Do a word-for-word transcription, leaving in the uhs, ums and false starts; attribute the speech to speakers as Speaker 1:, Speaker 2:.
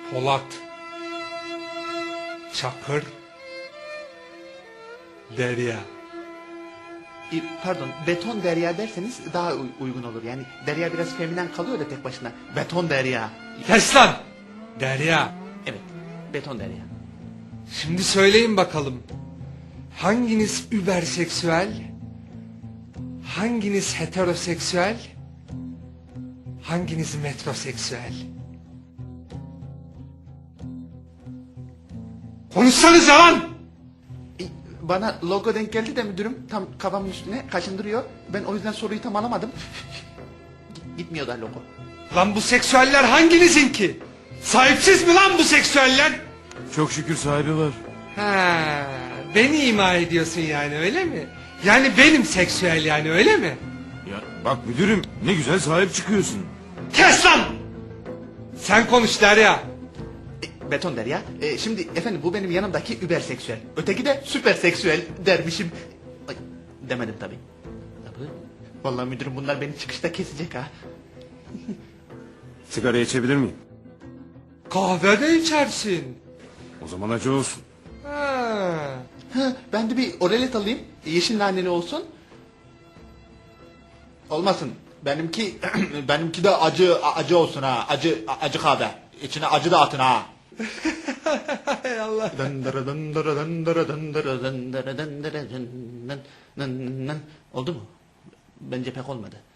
Speaker 1: Polat, Çakır, Derya.
Speaker 2: E, Pardon, beton derya derseniz daha uy- uygun olur. Yani derya biraz feminen kalıyor da tek başına. Beton derya.
Speaker 1: Kes lan! Derya.
Speaker 2: Evet, beton derya.
Speaker 1: Şimdi söyleyin bakalım. Hanginiz überseksüel? Hanginiz heteroseksüel? Hanginiz metroseksüel? Konuşsanıza lan!
Speaker 2: E, Bana logo denk geldi de müdürüm tam kafamın üstüne kaşındırıyor. Ben o yüzden soruyu tam alamadım. Git- Gitmiyor da logo.
Speaker 1: Lan bu seksüeller hanginizin ki? Sahipsiz mi lan bu seksüeller?
Speaker 3: Çok şükür sahibi var.
Speaker 1: Ha, beni ima ediyorsun yani öyle mi? Yani benim seksüel yani öyle mi?
Speaker 3: Ya bak müdürüm ne güzel sahip çıkıyorsun.
Speaker 1: Kes lan! Sen konuş Derya.
Speaker 2: E, beton derya. E, şimdi efendim bu benim yanımdaki überseksüel. Öteki de süperseksüel dermişim. Ay, demedim tabii. Tabii. Vallahi müdürüm bunlar beni çıkışta kesecek ha.
Speaker 3: Sigara içebilir miyim?
Speaker 1: Kahve de içersin.
Speaker 3: O zaman acı olsun.
Speaker 1: Ha.
Speaker 2: Ha, ben de bir oralet alayım. Yeşil naneli olsun. Olmasın. Benimki benimki de acı acı olsun ha. Acı acı kahve. İçine acı da atın ha.
Speaker 1: Hay Allah.
Speaker 2: Dındırı dındırı dındırı dındırı dındırı dındırı dın dın dın. Oldu mu? Bence pek olmadı.